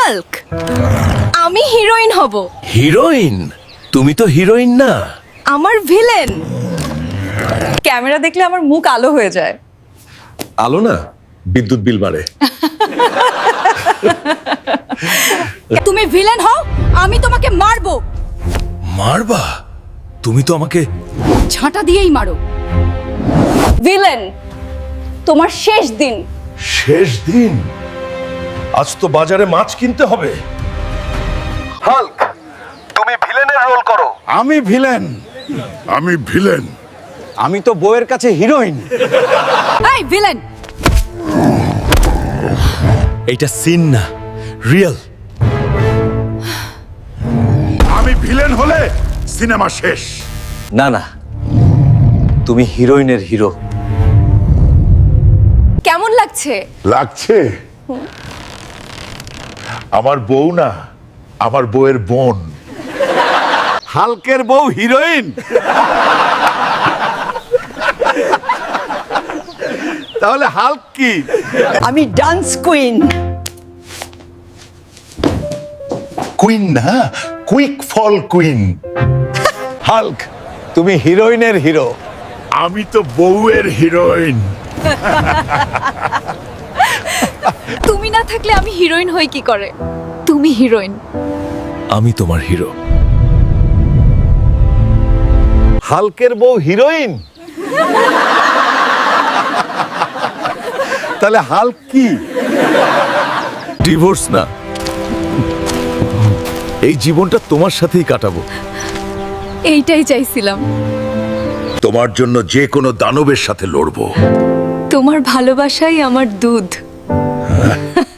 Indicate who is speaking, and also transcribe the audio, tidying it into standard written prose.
Speaker 1: Hulk, আমি heroine হব।
Speaker 2: Heroine? তুমি তো হিরোইন না।
Speaker 1: আমার ভিলেন। ক্যামেরা দেখলে আমার মুখ আলো হয়ে যায়।
Speaker 2: আলো না, বিদ্যুৎ বিল বাড়ে।
Speaker 1: তুমি ভিলেন হও, আমি তোমাকে মারবো।
Speaker 2: মারবা? তুমি তো আমাকে
Speaker 1: ঝাঁটা দিয়েই মারো। ভিলেন, তোমার শেষ দিন।
Speaker 2: শেষ দিন? আজ তো বাজারে মাছ কিনতে হবে। হাল্ক, তুমি ভিলেনের রোল করো।
Speaker 3: আমি ভিলেন। আমি তো বউয়ের কাছে হিরোইন।
Speaker 1: এই ভিলেন,
Speaker 2: এইটা সিন না, রিয়েল।
Speaker 3: আমি ভিলেন হলে সিনেমা শেষ।
Speaker 4: না না, তুমি হিরোইনের হিরো।
Speaker 1: কেমন লাগছে?
Speaker 5: লাগছে? আমার বউ না, আমার বউয়ের বোন।
Speaker 3: হাল্কের বউ হিরোইন? তাহলে হাল্ক কি?
Speaker 1: আমি ডান্স কুইন।
Speaker 5: কুইন না, কুইক ফল কুইন।
Speaker 3: হাল্ক, তুমি হিরোইনের হিরো।
Speaker 5: আমি তো বউয়ের হিরোইন।
Speaker 1: তুমি না থাকলে আমি হিরোইন হই কি করে? তুমি হিরোইন।
Speaker 2: আমি তোমার হিরো।
Speaker 3: হাল্কের বউ হিরোইন? তাহলে হাল্ক কি?
Speaker 2: ডিভোর্স না, এই জীবনটা তোমার সাথেই কাটাবো।
Speaker 1: এইটাই চাইছিলাম।
Speaker 5: তোমার জন্য যে কোনো দানবের সাথে লড়বো।
Speaker 1: তোমার ভালোবাসাই আমার দুধ।